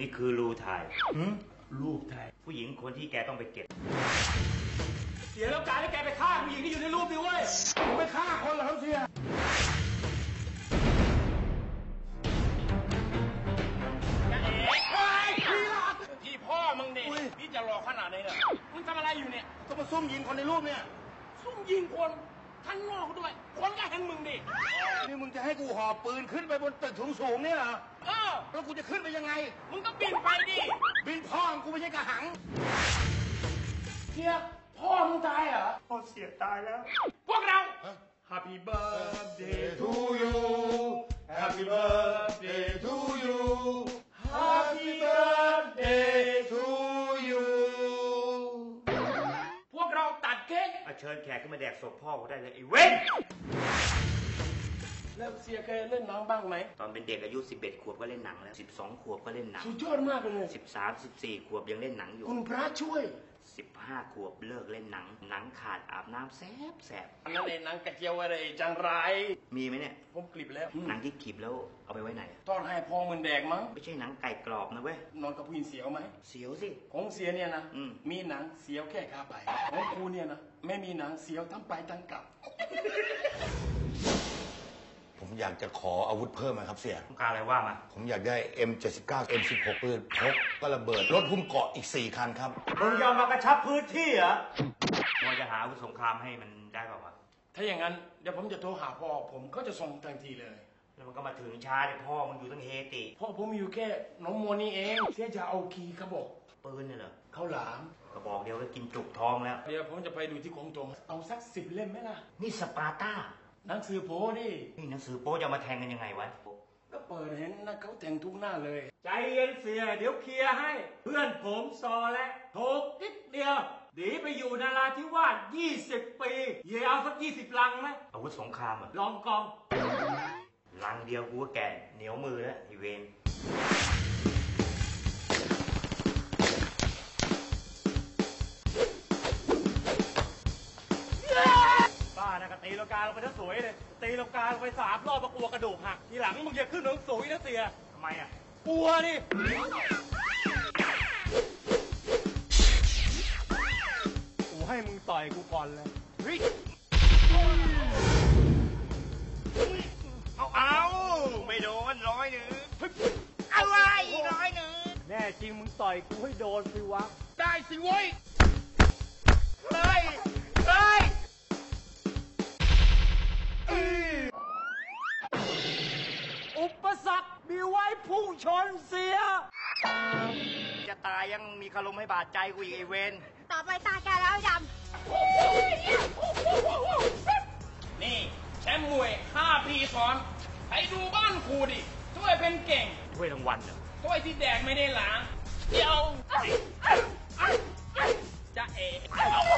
นี่คือรูถ่ายรูปถ่ายผู้หญิงคนที่แกต้องไปเก็บเสียแล้วการที่แกไปฆ่าผู้หญิงที่อยู่ในรูปดิเว้ยผมไปฆ่าคนเหรอครับเสียพี่พ่อมึงเนี่ยพี่จะรอขนาดไหนเนี่ยมึงทำอะไรอยู่เนี่ยก็มาซุ่มยิงคนในรูปเนี่ยซุ่มยิงคนข้างนอกด้วยคนก็เห็นมึงดินี่มึงจะให้กูหอบปืนขึ้นไปบนตึกสูงๆเนี่ยเหรอแล้วกูจะขึ้นไปยังไงมึงก็บินไปดิบินพ่อกูไม่ใช่กระหังเสียพ่อมึงตายเหรอพ่อเสียตายแล้วพวกเรา Happy birthday to you Happy birthday to you Happy birthday to you พวกเราตัดเค้กเชิญแขกขึ้นมาแดกศพพ่อได้เลยไอ้เว้นแล้วเสียเคยเล่นหนังบ้างไหมตอนเป็นเด็กอายุ11 ขวบก็เล่นหนังแล้ว12 ขวบก็เล่นหนังสุดยอดมากเลย 13 14 ขวบยังเล่นหนังอยู่คุณพระช่วย 15 ขวบเลิกเล่นหนังขาดอาบน้ำแสบอันนั้นเองหนังกระเจียวอะไรจังไรมีไหมเนี่ยผมกลิบแล้วหนังที่กลิบแล้วเอาไปไว้ไหนตอนให้พ่อมึงแดกมั้งไม่ใช่หนังไก่กรอบนะเว้ยนอนกับผู้หญิงเสียวไหมเสียวสิของเสียเนี่ยนะมีหนังเสียวแค่ขาไปของกูเนี่ยนะไม่มีหนังเสียวทั้งไปทั้งกลับผมอยากจะขออาวุธเพิ่มครับเสียต้องการอะไรว่ามาผมอยากได้ M79 M16 ปืนพกก็ระเบิดรถหุ้มเกาะอีก4 คันครับมึงยอมมากระชับพื้นที่เหรอว่าจะหาอาวุธสงครามให้มันได้เปล่าวะถ้าอย่างนั้นเดี๋ยวผมจะโทรหาพ่อผมก็จะส่งทันทีเลยแล้วมันก็มาถึงช้าเลยพ่อมึงอยู่ตั้งเฮติพ่อผมอยู่แค่น้องโมนี่เองเสียจะเอาคีย์กระบอกปืนเนี่ยเหรอข้าวหลามกระบอกเดียวก็กินจุกท้องแล้วเดี๋ยวผมจะไปดูที่กองตรงเอาสัก10 เล่มไหมล่ะนี่สปาร์ต้าหนังสือโป้ดินี่หนังสือโป๊จะมาแทงกันยังไงวะก็เปิดเห็นนะเขาแต่งทุกหน้าเลยใจเย็นเสียเดี๋ยวเคลียร์ให้เพื่อนผมซอและโถกนิดเดียวหนีไปอยู่นาราธิวาส20 ปีเย่เอาสัก20 ลังไหมอาวุธสงครามอ่ะลองกองลังเดียวกูก็แก่เหนียวมือแล้วไอเวนตีลังกาลงไปทั้งสวยเลยตีลังกาลงไป3 รอบกลัวกระดูกหักทีหลังมึงอย่าขึ้นถึงสูงนะเสียทำไมอ่ะกลัวนี่กูให้มึงต่อยกูก่อนเลยเอาไม่โดน100อะไร100 แน่จริงมึงต่อยกูให้โดนสิวะได้สิเว้ยเลยอุปสรรคมีไว้พุ่งชนเสียจะตายยังมีคารมให้บาดใจกูอีกไอเวนต่อไปตาแกแล้วดำนี่แชมป์มวย5 ปีซ้อนไปดูบ้านครูดิช่วยเป็นเก่งช่วยรางวัลเหรอช่วยที่แดกไม่ได้หลาเดี๋ยวจะเอ๋